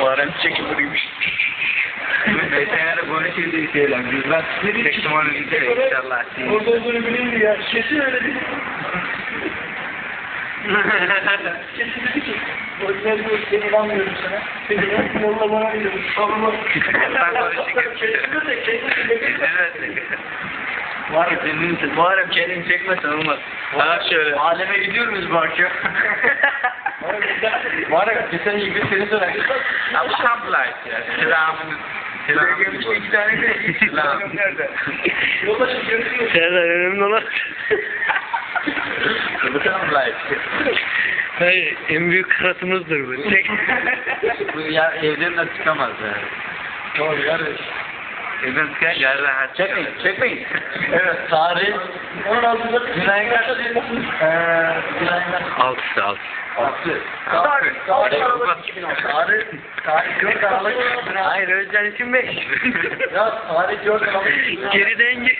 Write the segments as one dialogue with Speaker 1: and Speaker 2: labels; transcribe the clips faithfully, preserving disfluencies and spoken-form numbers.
Speaker 1: Muharrem çekim buraymış.
Speaker 2: Mesela böyle şey değil şeyler. Güzel. Çektim onu gidelim inşallah.
Speaker 1: Orada olduğunu bileyim ya. Kesin öyle değil. Kesin dedi ki. O yüzden diyor seni inanmıyorum sana. Seni yolla bana diyorum. Tamam.
Speaker 2: Ben konuşayım.
Speaker 1: Kesin de kesin de.
Speaker 2: Evet. Muharrem kendini Muharrem kendini çekmesen olmaz. Ha şöyle. Aleme gidiyor muyuz bu akşam?
Speaker 1: Muharrem geçen gibi seni söyler.
Speaker 2: Abla ya. Selamını. Selamını. İki tane de selam.
Speaker 1: Nerede? Yoldaşım görüşürüz.
Speaker 3: Serdar önemli olan.
Speaker 2: Abla.
Speaker 3: Hayır, en büyük kıratımızdır bu. Tek.
Speaker 2: Bu ya evden de çıkamaz yani.
Speaker 1: Doğru kardeş.
Speaker 2: Evden çıkınca her rahat. Çekmeyin, çekmeyin.
Speaker 1: Evet, tarih. Onun altında Gülay'ın kaçta değil mi? Eee, Gülay'ın kaçta?
Speaker 3: Altısı altı.
Speaker 1: Altı. Tarih. Tarih Aralık iki bin on. Tarih. Tarih dört Aralık iki bin on.
Speaker 3: Hayır, Özcan için beş.
Speaker 1: Ya tarih dört Aralık iki bin on.
Speaker 3: Geri denge.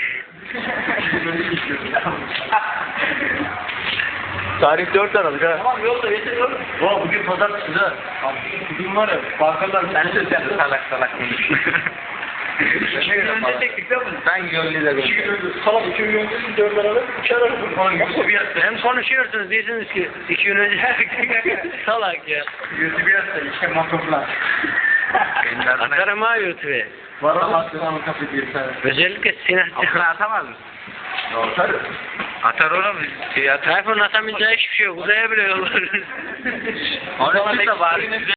Speaker 1: Tarih dört Aralık ha. Tamam yolda yeter yolda. Oha bugün pazartesi ha. Bugün var ya bankalar
Speaker 2: Sen de sen de salak salak konuşuyorsun.
Speaker 1: Ne gün önce çektik değil mi?
Speaker 2: Ben gönlüyle
Speaker 1: İki gün
Speaker 2: konuşuyorum.
Speaker 1: önce salak iki gün önce dört Aralık üç Aralık. Onun yüzü bir yasta.
Speaker 3: Hem konuşuyorsunuz diyorsunuz ki iki gün önce salak ya.
Speaker 1: Yüzü bir yasta işte matoplar.
Speaker 3: Atarım ha YouTube'ya.
Speaker 1: Var ama aslında kapı diye sen.
Speaker 3: Özellikle
Speaker 2: Okula
Speaker 3: Sinan.
Speaker 2: atamaz mısın?
Speaker 1: Atarım.
Speaker 2: Atar oğlum. Şey atar.
Speaker 3: Tayfun atamayacağı hiçbir şey yok. Uzaya bile yollar.
Speaker 2: Onu da bari güzel